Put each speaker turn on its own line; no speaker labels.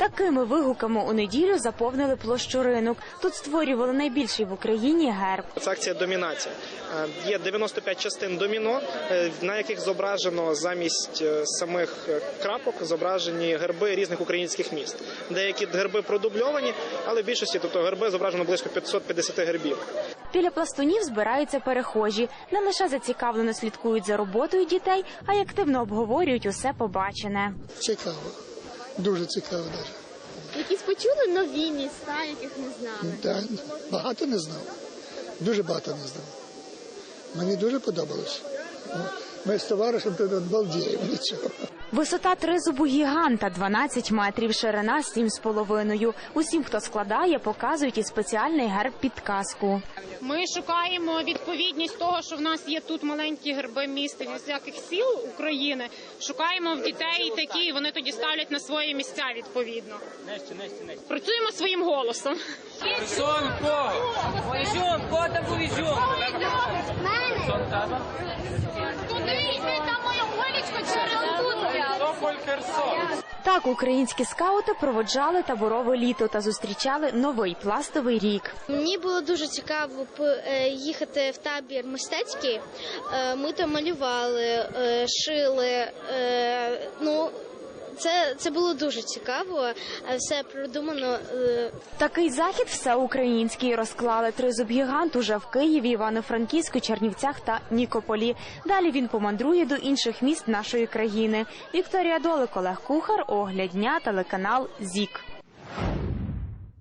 Такими вигуками у неділю заповнили площу Ринок. Тут створювали найбільший в Україні герб.
Це акція «Домінація». Є 95 частин доміно, на яких зображено замість самих крапок зображені герби різних українських міст. Деякі герби продубльовані, але в більшості, тобто герби зображено близько 550 гербів.
Біля пластунів збираються перехожі. Не лише зацікавлено слідкують за роботою дітей, а й активно обговорюють усе побачене.
Цікаво. Дуже цікаво навіть.
Якісь почули нові міста, яких не знали?
Да, багато не знав. Дуже багато не знав. Мені дуже подобалось. Ми з товаришем тут балдіємо нічого.
Висота тризубу гіганта 12 метрів, ширина 7,5. Усім, хто складає, показують і спеціальний герб-підказку.
Ми шукаємо відповідність того, що в нас є тут маленькі герби міст і всяких сіл України. Шукаємо в дітей такі, і вони тоді ставлять на свої місця відповідно. Працюємо своїм голосом.
Так українські скаути проводжали таборове літо та зустрічали новий пластовий рік.
Мені було дуже цікаво їхати в табір мистецький. Ми там малювали, шили. Це було дуже цікаво, все продумано.
Такий захід всеукраїнський розклали тризуб-гігант уже в Києві, Івано-Франківську, Чернівцях та Нікополі. Далі він помандрує до інших міст нашої країни. Вікторія Долик, Олег Кухар, Огляд дня, телеканал ЗІК.